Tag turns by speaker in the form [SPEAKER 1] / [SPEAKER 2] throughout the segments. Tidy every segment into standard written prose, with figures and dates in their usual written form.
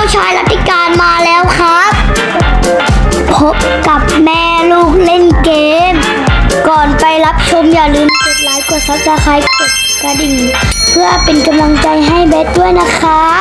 [SPEAKER 1] ชายรัติการมาแล้วครับพบกับแม่ลูกเล่นเกมก่อนไปรับชมอย่าลืมกดไลค์กดซับสไครต์กดกระดิ่งเพื่อเป็นกำลังใจให้เบสด้วยนะครับ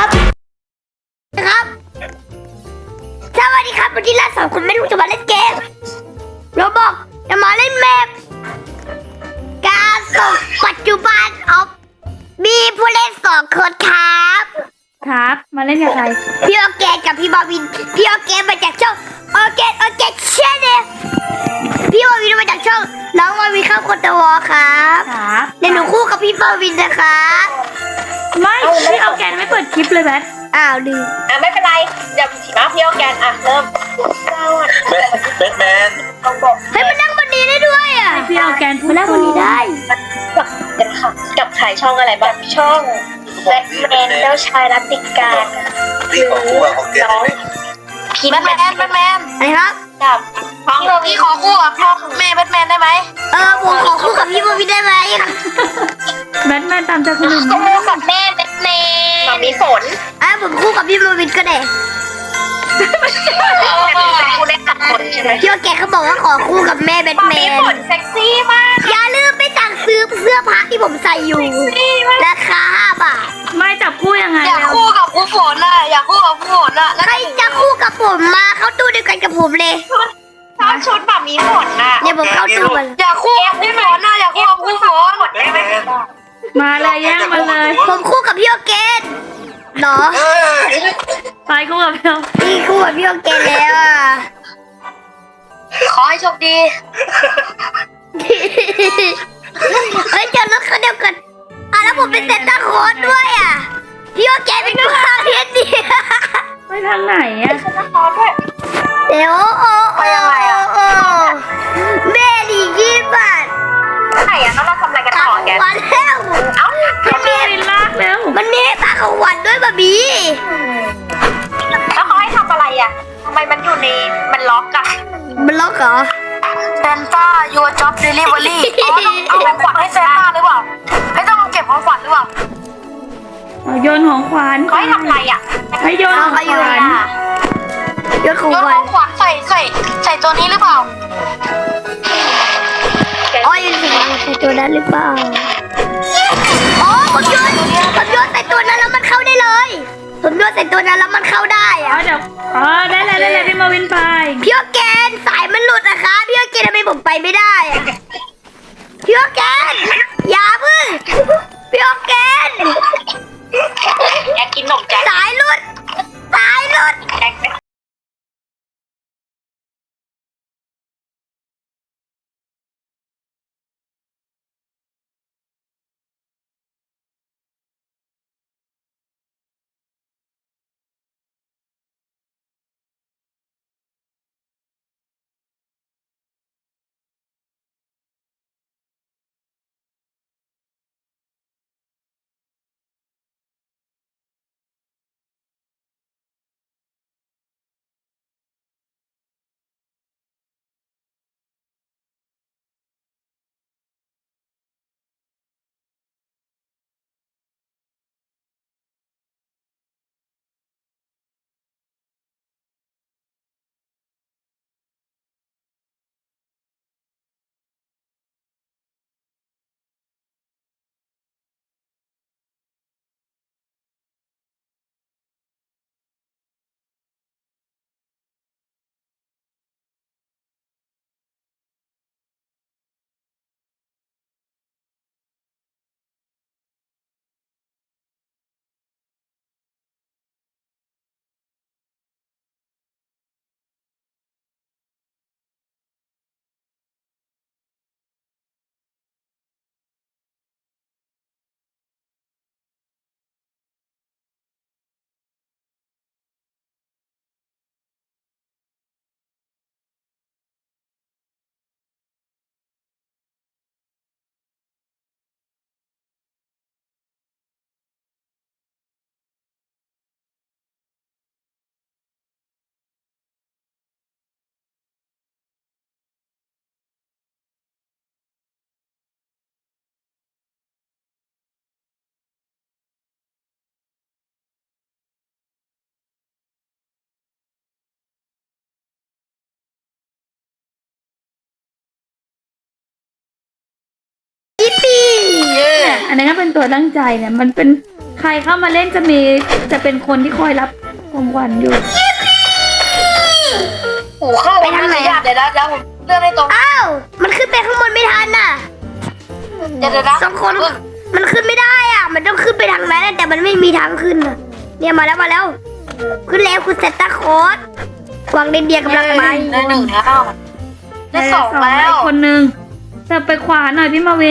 [SPEAKER 1] สวัสดีครับวันนี้เราสองคนแม่ลูกจะมาเล่นเกมเราบอกจะมาเล่นแมปการส่งปัจจุบันออฟมีผู้เล่น2 คน
[SPEAKER 2] ครับ มาเล่นกับใคร
[SPEAKER 1] พี่โอเกนกับพี่บอวินพี่โอเกนมาจากช่องโอเกนเชนเนลพี่บอวินมาจากช่องน้องบอวินเข้าคนตะวอครับ
[SPEAKER 2] ครับ
[SPEAKER 1] เดี๋ยวหนูคู่กับพี่บอวินนะครับ
[SPEAKER 2] ไม่พี่เอาแกนไม่เปิดคลิปเลยแบท
[SPEAKER 1] อ้าวลืม
[SPEAKER 3] ไม่เป็นไรเดี๋ยวมาพี่เอาแกนเริ่ม
[SPEAKER 4] แบทแมน
[SPEAKER 3] ต้องบอก
[SPEAKER 1] เฮ้ยมันนั่งบนนี้ได้ด้วยอ่ะ
[SPEAKER 2] พี่เอาแกนพูด
[SPEAKER 1] มันนั่งบนนี้ได้
[SPEAKER 3] กันค่ะกับขายช่องอะไรบ้างช่องแบทแมนเจ้าชายรัตติการ
[SPEAKER 4] พี่ขอคู่กับของแกได้ไหม
[SPEAKER 3] พี่แบทแมน
[SPEAKER 1] อะไรครับ
[SPEAKER 3] กับพี่ขอคู่กับพ่อแม่แบทแมนได้ไหม
[SPEAKER 1] ผมขอคู่กับพี่บอวินได้ไหม
[SPEAKER 2] แบทแมนตามใจคนอื่น
[SPEAKER 3] คู่กับแม่แบทแมนกับมีฝน
[SPEAKER 1] ผมคู่กับพี่บอวินก็ได้
[SPEAKER 3] คู่เล่นกับคนใช่ไหม
[SPEAKER 1] พี่โอเกนเขาบอกว่าขอคู่กับแม่แบทแม
[SPEAKER 3] มี
[SPEAKER 1] น
[SPEAKER 3] ฝนเซ็กซี่มาก
[SPEAKER 1] อย่าลืมไปสั่งซื้อเสื้อผ้าที่ผมใส่อยู่ราคา5 บาท
[SPEAKER 2] ไม่จับคู่ยังไง
[SPEAKER 3] อยาก
[SPEAKER 2] แล้ว
[SPEAKER 3] คู่กับคู่ฝนน่ะอยากคู่กับคู่ฝนน่ะ
[SPEAKER 1] ใครจะคู่กับผมมาเข้าตู้เดียวกันกับผมเลย
[SPEAKER 3] ชอบชุดแบบมีฝนน่ะ
[SPEAKER 1] เดี๋ยวผมเข้าตู้มัน
[SPEAKER 3] อยากคู่กับคู่ฝนน่ะอยากคู่กับคู่ฝน
[SPEAKER 4] แบทแมน
[SPEAKER 2] มาเลยแย่งมาเลย
[SPEAKER 1] ผมคู่กับพี่โอเกนเหรอ
[SPEAKER 2] ไปคู่กับพี่เอา
[SPEAKER 1] พี่คู่กับพี่โอเกนแล้วอ่ะ
[SPEAKER 3] ขอให้โชคดี
[SPEAKER 1] เฮ้ยเจอรถคันเดียวกันแล้วผมเป็นเซนต้าโค้ดด้วยอ่ะพี่โอเกนเป็นผู้ข่าวเทียนดี
[SPEAKER 2] ไปทางไหนอะ
[SPEAKER 1] เดี๋ยวแม่ดี20 บาท
[SPEAKER 3] ไหนอะแล้วเราทำอะไรกัน
[SPEAKER 1] ตา
[SPEAKER 3] ต่อ
[SPEAKER 1] ของ
[SPEAKER 3] แก
[SPEAKER 1] วันแล้ว
[SPEAKER 3] เอ้า
[SPEAKER 1] มันมี
[SPEAKER 2] วินลากแล้ว
[SPEAKER 1] มันมีตาของวันด้วยบะบี
[SPEAKER 3] แล้วเขาให้ทำอะไรอะทำไมมันอยู่ในมันล็อกอะ
[SPEAKER 1] มันล็อกเหรอ
[SPEAKER 3] เซนต้า your job delivery เอาของขวัญให้เซนต้าหรือเปล่าให้ต้องเก็บของขวัญหรือเปล่า
[SPEAKER 2] เอาโยนของขวัญ
[SPEAKER 3] เขาให้ทำอะไรอะ
[SPEAKER 2] ให้โยนของขวัญ
[SPEAKER 1] ยศของ
[SPEAKER 3] โยน
[SPEAKER 1] วั
[SPEAKER 3] ข
[SPEAKER 1] น
[SPEAKER 3] องขวัญใส่ตัวนี้หรือเปล่า
[SPEAKER 1] อ๋อยังสิใส่ตัวนั้นหรือเปล่าอ๋อผมโยนใส่ตัวนั้นแล้วมันเข้าได้เลยผมโยนใส่ตัวนั้นแล้วมันเข้าได้
[SPEAKER 2] อ๋อ
[SPEAKER 1] อะ
[SPEAKER 2] เดี๋ยวอ๋อได้เลยพี่มาวินไป
[SPEAKER 1] พี่โอเกนสายมันหลุดนะคะพี่โอเกนทำไมผมไปไม่ได้อะพี่โอเกนอย่าพึ่งพี่โอเกน
[SPEAKER 3] อยากกินขนมแจ็ค
[SPEAKER 1] สายหลุด
[SPEAKER 3] แจ็ค
[SPEAKER 2] อันนั้นก็เป็นตัวตั้งใจเนี่ย มันเป็นใครเข้ามาเล่นจะเป็นคนที่คอยรับของขวัญอยู่
[SPEAKER 3] โอ้เข้าไปทางไหนอ่ะเดี๋ยวนะผมเลือกให้ตรง
[SPEAKER 1] อ้าวมันขึ้นไปข้างบนไม่ทันน่ะ
[SPEAKER 3] เดี๋ยวนะ
[SPEAKER 1] สองคนมันขึ้นไม่ได้อ่ะ มันต้องขึ้นไปทางนั้นแต่มันไม่มีทางขึ้นอ่ะเนี่ยมาแล้วขึ้นแล้วคุณเซนต้าโค้ดกวางเรนเดียร์กำลังไป
[SPEAKER 3] ได้หนึ่งแล้วได้สองแล้ว
[SPEAKER 2] อีกคนนึงแต่ไปขวาหน่อยพี่มาวิน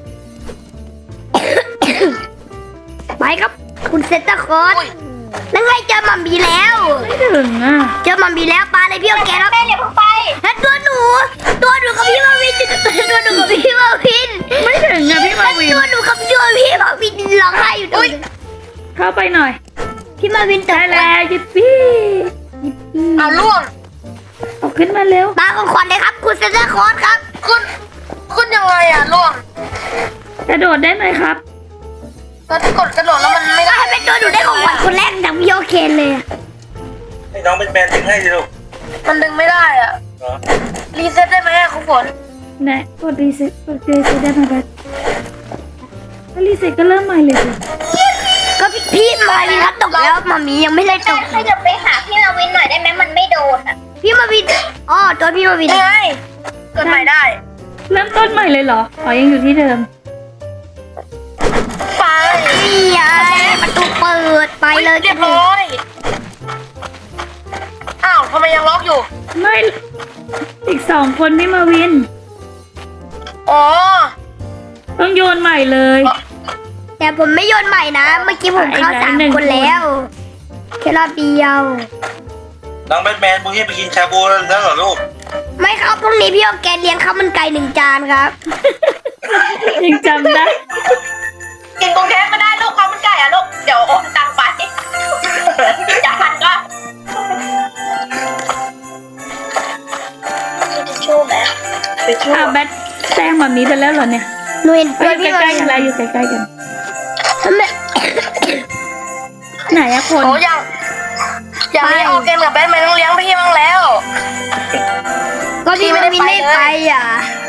[SPEAKER 1] ไปครับคุณเซนต้าโค้ดนั่นไงเจอหมัมบีแล้ว
[SPEAKER 2] ไม่ถึงอ่ะ
[SPEAKER 1] เจอหมัมบีแล้วปลาเลยพี่โอเคแล้วแม่อย่าเพิ่งไปแล้วตัวหนูกับพี่มาวินตัวหนูกับพี่มาวิน
[SPEAKER 2] ไม่ถึงอ่ะพี่มาวิน
[SPEAKER 1] ตัวหนูกับตัวพี่มาวินร้องไห้อยู่ตรงนี้
[SPEAKER 2] เข้าไปหน่อย
[SPEAKER 1] พี่มาวินตก
[SPEAKER 2] ได้แล้วยิปปี้ยิปปี้
[SPEAKER 3] เอาล่วง
[SPEAKER 2] เอาขึ้นมาเร็ว
[SPEAKER 1] มาของขวัญเลยครับคุณเซนต้าโค้ดครับ
[SPEAKER 3] ขึ้นยังไงอ่ะล่วง
[SPEAKER 2] กระโดดได้ไหมครับ
[SPEAKER 3] ก็กดกระโดดแล้วมันไม่ได้
[SPEAKER 1] ให้เป็นตัวหนูได้ของขวัญคนแรกจากพี่โอเคนเลยอะ
[SPEAKER 4] ให้น้องแบทแมนดึงให้สิลูก
[SPEAKER 3] มันดึงไม่ได้อ่ะ
[SPEAKER 4] เหรอ
[SPEAKER 3] รีเซ็ตได้ไหมอ่ะคุณฝน
[SPEAKER 2] ไหนกดรีเซ็ตได้ไหมครับถ้ารีเซ็ตก็เริ่มใหม่เลยสิ
[SPEAKER 1] ก็พี่มาวินครับตกแล้วมามียังไม่ได้ตก
[SPEAKER 5] ถ้าจะไปหาพี่มาวินหน่อยได้ไหมมันไม่โดนอ่ะ
[SPEAKER 1] พี่มาวินอ๋อตัวพี่มาวิน
[SPEAKER 3] ยังไงกดใหม่ได้
[SPEAKER 2] เริ่มต้นใหม่เลยเหรออ๋อยังอยู่ที่เดิม
[SPEAKER 3] ไป
[SPEAKER 1] นี่ไงประตูเปิดไปเลย
[SPEAKER 3] เรียบร้อยอ้าวทำไมยังล็อกอยู่
[SPEAKER 2] ไม่อีก2 คนพี่มาวิน
[SPEAKER 3] อ๋อ
[SPEAKER 2] ต้องโยนใหม่เลย
[SPEAKER 1] แต่ผมไม่โยนใหม่นะ เมื่อกี้ผมเข้า
[SPEAKER 2] ไปไหน
[SPEAKER 1] สาม
[SPEAKER 2] หนึ่ง
[SPEAKER 1] คนแล้วแค่รอบเดียว
[SPEAKER 4] น้องแบทแมนพรุ่งนี้ไปกินชาบูแล้วเหรอลูก
[SPEAKER 1] ไม่ครับพรุ่งนี้พี่โอแกนเลี้ยงข้าวมันไก่1 จานครับ
[SPEAKER 2] ยังจำได้
[SPEAKER 5] กินกรุงเทพไม่ได้ลูกเขามันไก่อ่ะลูก เดี๋ยวโอนตังค์ไปอย่าพันก็ทิชชู่ไหม
[SPEAKER 2] แบทแซงแบบนี้ไปแล้วเหรอเนี่ย
[SPEAKER 1] หนูเห็น
[SPEAKER 2] เอ้
[SPEAKER 1] ตัวย
[SPEAKER 2] อยู่
[SPEAKER 1] พี่มา
[SPEAKER 2] ใกล้
[SPEAKER 1] วิ
[SPEAKER 2] ๆกัน
[SPEAKER 1] น
[SPEAKER 2] แล้วอยู่ใกล้ๆกัน
[SPEAKER 1] ทำไม
[SPEAKER 2] ไหนอะคน
[SPEAKER 3] โอ้อย่างนี้ออกเกมกับแบทแมนต้องเลี้ยงพี่บ้างแล้ว
[SPEAKER 1] ก็พี่มาวินไม่ไปอ่ะ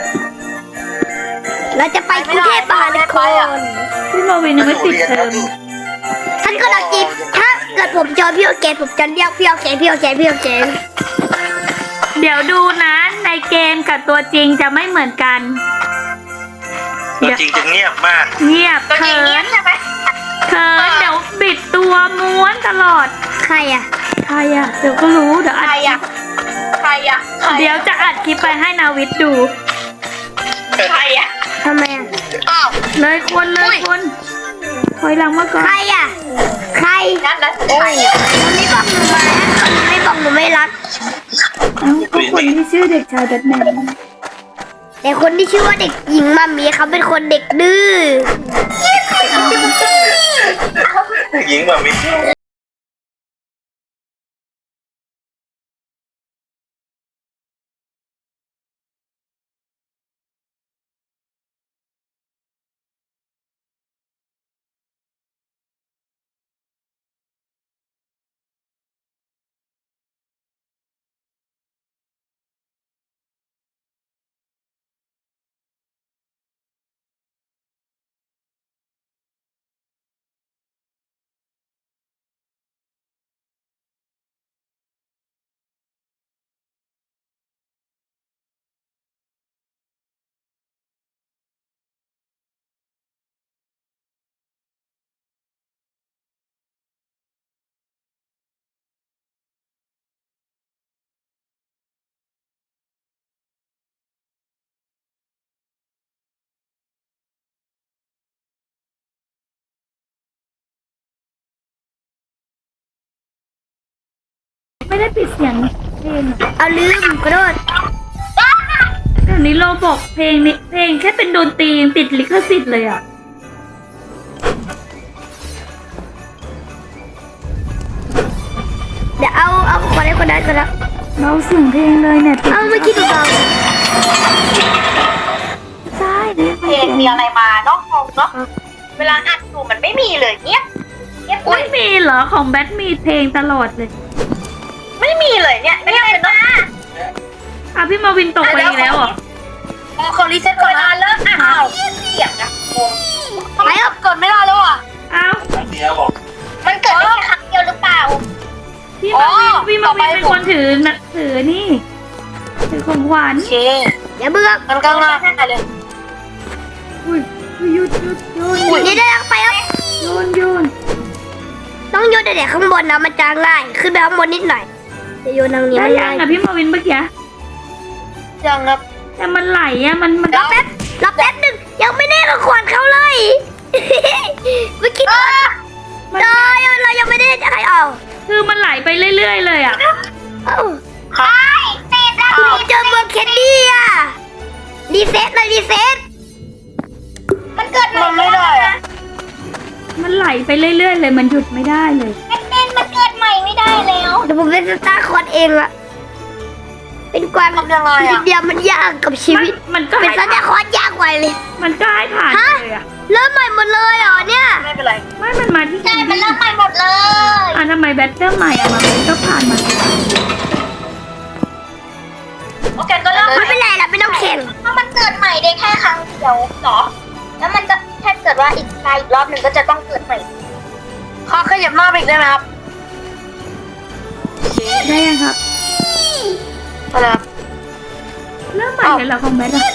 [SPEAKER 1] เราจะไปกรุงเทพมหานคร
[SPEAKER 2] พี่มาวินยังไม่ติดเทอม
[SPEAKER 1] ท่านก็เราจีบถ้าเกิดผมเจอพี่โอแกนผมจะเรียกพี่โอแกนพี่โอแกนพี่โอแกน
[SPEAKER 2] เดี๋ยวดูนะในเกมกับตัวจริงจะไม่เหมือนกัน
[SPEAKER 4] ตัวจริงจะเงียบมาก
[SPEAKER 2] เงียบ
[SPEAKER 5] ตัวจริ
[SPEAKER 2] เขิ
[SPEAKER 5] งเงีย
[SPEAKER 2] น
[SPEAKER 5] บใช่ไหม
[SPEAKER 2] เขินเดี๋ยวบิดตัวม้วนตลอด
[SPEAKER 1] ใครอ่ะ
[SPEAKER 2] ใครอะเดี๋ยวก็รู้เดี๋ยว
[SPEAKER 5] ใครอ่ะใครอ่ะใคร
[SPEAKER 2] เดี๋ยวจะอัดคลิปไปให้นาวิทย์ดู
[SPEAKER 5] ใครอ่ะ
[SPEAKER 1] ทำไมอ่ะ
[SPEAKER 3] อ้าว
[SPEAKER 2] เลยคนถอยหลังมาก่อน
[SPEAKER 1] ใครอ่ะใคร
[SPEAKER 5] นั่นนะใครอ่ะ
[SPEAKER 1] คนนี้บอกหนูมาคนนี้ไม่บอกหนูไม่รัก
[SPEAKER 2] เอ้าก็คนที่ชื่อเด็กชายแบทแมน
[SPEAKER 1] แต่คนที่ชื่อว่าเด็กหญิงมามีเขาเป็นคนเด็กดื้อ
[SPEAKER 4] หญิงแบบนี้
[SPEAKER 2] ไม่ได้ปิดเสียงเพลงอะ
[SPEAKER 1] เอาลืมขอโทษ
[SPEAKER 2] เดี๋ยวนี้เราบอกเพลงนี้เพลงแค่เป็นดนตรียังติดลิขสิทธิ์เลยอะ
[SPEAKER 1] เดี๋ยวเอาคนให้คนนั้นก็แล้ว
[SPEAKER 2] เราเสียงเพลงเลยเนี่ยติด
[SPEAKER 1] เอาเมื่อกี้ดูเบา
[SPEAKER 2] ใช่เนี่ย
[SPEAKER 5] เพลงมีอะไรมาเนาะงงเนาะเวลาอัดอยู่มันไม่มีเลยเงียบเงียบ
[SPEAKER 2] ไม่มีเหรอของแบทมีเพลงตลอดเลย
[SPEAKER 5] ไม่มีเลยเนี่ยไม่เป็นนะ
[SPEAKER 2] อ่ะพี่มาวินตกไปอีกแล้วเหรอ
[SPEAKER 3] เขารีเซ็ต
[SPEAKER 5] เว
[SPEAKER 3] ก่อน
[SPEAKER 5] ลา
[SPEAKER 3] นะ
[SPEAKER 5] เลิกอ่ะเอาเสียงนะงง
[SPEAKER 3] ทำไมครับเกิดไม่ได้แล้วอ่ะ
[SPEAKER 2] เอ้า
[SPEAKER 4] เดียวบอก
[SPEAKER 5] มันเกิดได้แค่ครั้งเดียวหรือเปล่า
[SPEAKER 2] พี่มาวินเป็นคนถือนะถือนี่ถือของขวัญ
[SPEAKER 3] โอเค
[SPEAKER 1] อย่าเบื่อ
[SPEAKER 3] มันก็ง่ายเลย
[SPEAKER 2] อุ้ยหยุดโยน
[SPEAKER 1] นี่ได้แล้วไปครับ
[SPEAKER 2] โยน
[SPEAKER 1] ต้องโยนแต่ข้างบนนะมันจะง่ายขึ้นไปข้างบนนิดหน่อยจะโยนทางนี้
[SPEAKER 2] ได้
[SPEAKER 1] มัน
[SPEAKER 2] ยั
[SPEAKER 1] ง่าง ย
[SPEAKER 2] อะพี่มาวินเมื่อกี้
[SPEAKER 3] ยังครับ
[SPEAKER 2] แต่มันไหลอะมัน
[SPEAKER 1] รอแป๊บหนึ่งยังไม่ได้ของขวัญเขาเลย เมื่อกี้เรายังไม่ได้ใครเอา
[SPEAKER 2] คือมันไหลไปเรื่อยๆเลยอะ
[SPEAKER 1] เอ้า
[SPEAKER 5] ติดแล้ว
[SPEAKER 1] ผมเจอเมืองเคนดี้อ่ะรีเซ็ตเลยรีเซ็ต
[SPEAKER 5] มันเกิดใหม่
[SPEAKER 3] มันไม่ได้อะ
[SPEAKER 2] มันไหลไปเรื่อยๆเลยมันหยุดไม่ได้เลย
[SPEAKER 5] มันเกิดใหม่ไม่ได้แล้ว
[SPEAKER 1] เดี๋ยวผมเป็นสตาร์คอนเองอะเป็นความ
[SPEAKER 3] ทำยังไง
[SPEAKER 1] ชีวิต
[SPEAKER 3] อ่ะ
[SPEAKER 1] เดียวมันยากกับชีวิต
[SPEAKER 2] มันก็
[SPEAKER 1] เป็น
[SPEAKER 2] ให้
[SPEAKER 1] สตาร์คอนยากกว่าเลย
[SPEAKER 2] มันก็ให้ผ่าน
[SPEAKER 1] ฮะ
[SPEAKER 2] เลยอะ
[SPEAKER 1] เริ่มใหม่หมดเลยเหรอเนี่ย
[SPEAKER 3] ไม่เป็นไร
[SPEAKER 2] ไม่มันมาที่
[SPEAKER 5] ใช่มันเริ่มใหม่หมดเลย
[SPEAKER 2] ทำไมแบตเตอร์ใหม่อะมันก็ผ่านมา
[SPEAKER 5] โอเคก็เริ่ม
[SPEAKER 1] ไม่เป็นไรละไม่ต้องแข่ง
[SPEAKER 5] ถ้ามันเกิดใหม่ได้แค่ครั้งเดียวเหรอ แล้วมันจะถ้าเกิดว่าอีกรอบหนึ่งก็จะต้องเกิดใหม่
[SPEAKER 3] ข้าขยับหน้าไปอีกได้ไหมครับ
[SPEAKER 2] ได้ยังครับ
[SPEAKER 3] อะไรครับ
[SPEAKER 2] เริ่มใหม่เลยเหรอของแบทอะ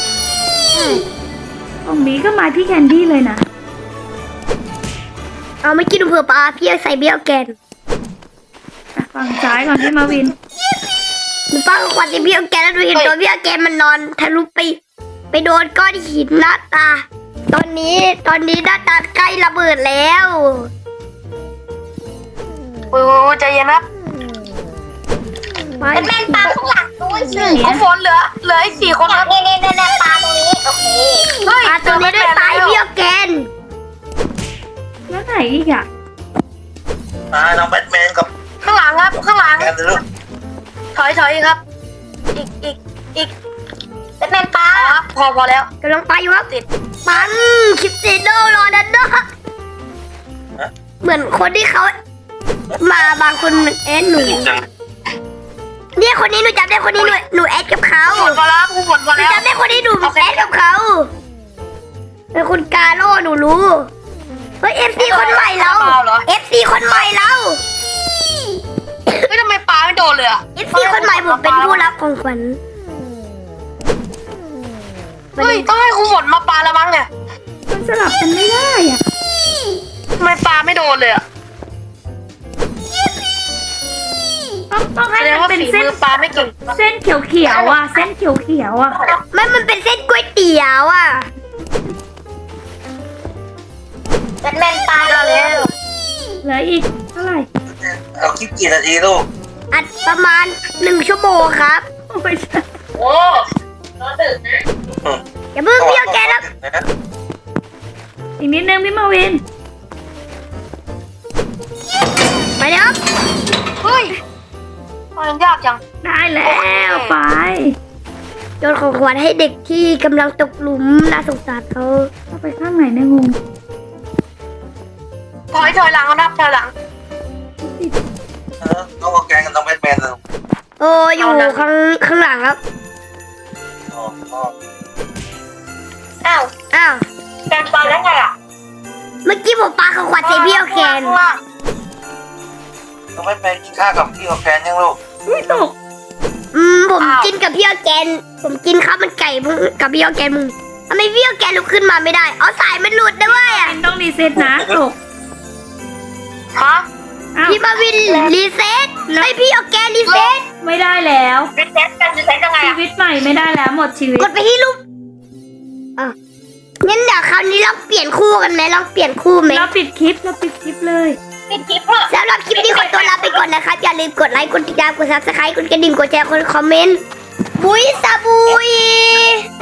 [SPEAKER 2] ของนี้ก็มาที่แคนดี้เลยนะ
[SPEAKER 1] เอาไม่กินเผื่อปลาพี่ใส่เบี้ยวแกน
[SPEAKER 2] อ่ะฝั่งซ้ายก่อนพี่มาวิน
[SPEAKER 1] หนูป้าก็ควันใส่เบี้ยวแกนแล้วดูเห็นตัวเบี้ยวแกนมันนอนทะลุไปโดนก้อนหินหน้าตา ตอนนี้หน้าตาใกล้ระเบิดแล้ว
[SPEAKER 3] ใจเย็นครับ
[SPEAKER 1] ไป
[SPEAKER 5] เป็นแมนปลาข้างหลังด้วยสิ
[SPEAKER 3] คุณฝนเหลืออีก4 คนครับ
[SPEAKER 5] เนี่ยปลาตรงนี้ โอเค
[SPEAKER 3] เฮ้ย
[SPEAKER 1] ปลาตัวนี้ด้วยปลาเบี้ยวแกน
[SPEAKER 2] แล้วไหนอีกอะ
[SPEAKER 4] น้องแบทแมนกับ
[SPEAKER 3] ข้างหลังครับข้างหลัง
[SPEAKER 4] แมนเลยลูก
[SPEAKER 3] ถอยครับ อีก
[SPEAKER 5] เป็นแมนปลา
[SPEAKER 3] ครับพอแล้ว
[SPEAKER 1] กำลังไปอยู่ครับ
[SPEAKER 3] ติด
[SPEAKER 1] ปังคริสเตโดโรนัลโดเหมือนคนที่เขามาบางคนหนู
[SPEAKER 4] จัง
[SPEAKER 1] เนี่ยคนนี้หนูจำได้คนนี้หนูแอดกับเขา
[SPEAKER 3] คุณฝนพอแล้วคุณฝนพอ
[SPEAKER 1] หนู
[SPEAKER 3] แล้ว
[SPEAKER 1] จำได้คนนี้หนูแอดกับเขาเป็นคุณกาโร่หนูรู้เฮ้ย FC คนใหม่เรา FC คนใหม่เรา
[SPEAKER 3] เฮ้ยทำไมปลาไม่โดนเลยอ่ะ
[SPEAKER 1] FC คนใหม่ผมเป็นผู้รับของขวัญ
[SPEAKER 3] เฮ้ยต้องให้คุณฝนมาปลาละมั้งเนี่ย
[SPEAKER 2] มันสลับกันไม่ได้อะ
[SPEAKER 3] ทำไมปลาไม่โดนเลยอ่ะ
[SPEAKER 2] ต้อง
[SPEAKER 3] แส
[SPEAKER 2] ให้
[SPEAKER 3] ดง
[SPEAKER 2] มัน
[SPEAKER 3] ว่า
[SPEAKER 2] เป็น
[SPEAKER 3] ฝี
[SPEAKER 2] เส้น
[SPEAKER 3] มือปลาไม่เก่ง
[SPEAKER 2] เส้นเขียวๆอะเส้นเขียวๆอะ
[SPEAKER 1] มันเป็นเส้นก๋วยเตี๋ยวอ่ะ
[SPEAKER 5] เป็นแมนปลา
[SPEAKER 3] ได้แล้ว
[SPEAKER 2] เหลืออีกเท่าไหร่
[SPEAKER 4] เอาคลิปกี่นาทีลูก
[SPEAKER 1] อัดประมาณ1 ชั่วโมงครับ
[SPEAKER 2] โอ้ย
[SPEAKER 5] โอ้รอดึกนะ
[SPEAKER 1] อย่าเพิ่งเบี้ยวแกครับ
[SPEAKER 2] อีกนิดนึงพี่มาวิน
[SPEAKER 1] ไปเลยครับ
[SPEAKER 3] เฮ้ยมันยากจัง
[SPEAKER 2] ได้แล้วไป
[SPEAKER 1] โยนของขวัญให้เด็กที่กำลังตกหลุมน่าสงสารเขา
[SPEAKER 2] เข้าไปข้างไหนเนี่ยงง
[SPEAKER 3] ถอยหลังครับถอยหลัง
[SPEAKER 4] น้องแกงกับน้องแบทแมนเลย
[SPEAKER 1] โอ้อยู่ข้างหลังครับ
[SPEAKER 4] อ๋อ
[SPEAKER 5] อ้าว
[SPEAKER 1] อ้าว
[SPEAKER 5] แมนปลาแล้วไงอ่ะ
[SPEAKER 1] เมื่อกี้ผมปาของขวัญใส่เบี้ยวแกน
[SPEAKER 3] ข้างล่าง
[SPEAKER 4] น้องแบทแมนกินข้าวกับพี่กับแฟนยังลูก
[SPEAKER 2] ไม่ตก
[SPEAKER 1] ผมกินกับพี่ออร์แกน ผมกินข้าวมันไก่กับพี่ออร์แกนมึงทำไมพี่ออร์แกนลุกขึ้นมาไม่ได้เอาสายมันหลุดด้วยอ่ะ
[SPEAKER 2] ต้องรีเซ็ตนะตก
[SPEAKER 3] ฮะ
[SPEAKER 2] อ้าว
[SPEAKER 1] พี่มาวินรีเซ็ตให้พี่ออร์แกนรีเซ็ต
[SPEAKER 2] ไม่ได้แล้ว
[SPEAKER 5] รีเซ็ตกันรีเซ็ตยังไง
[SPEAKER 2] ชี
[SPEAKER 5] อ่ะ
[SPEAKER 2] วิตใหม่ไม่ได้แล้วหมดชีวิต
[SPEAKER 1] กดไปที่รูปอ่ะงั้นเดี๋ยวคราวนี้ลองเปลี่ยนคู่กันไหมลองเปลี่ยนคู่ไหม
[SPEAKER 2] เราปิดคลิปเลย
[SPEAKER 5] ปิดคลิปเถอะ
[SPEAKER 1] สำหรับคลิปนี้ขอตัวลาไปก่อนนะครับ อย่าลืมกดไลค์ กดติดตาม กดซับสไครต์กดกระดิ่ง กดแชร์ กดคอมเมนต์ บุยสาบุย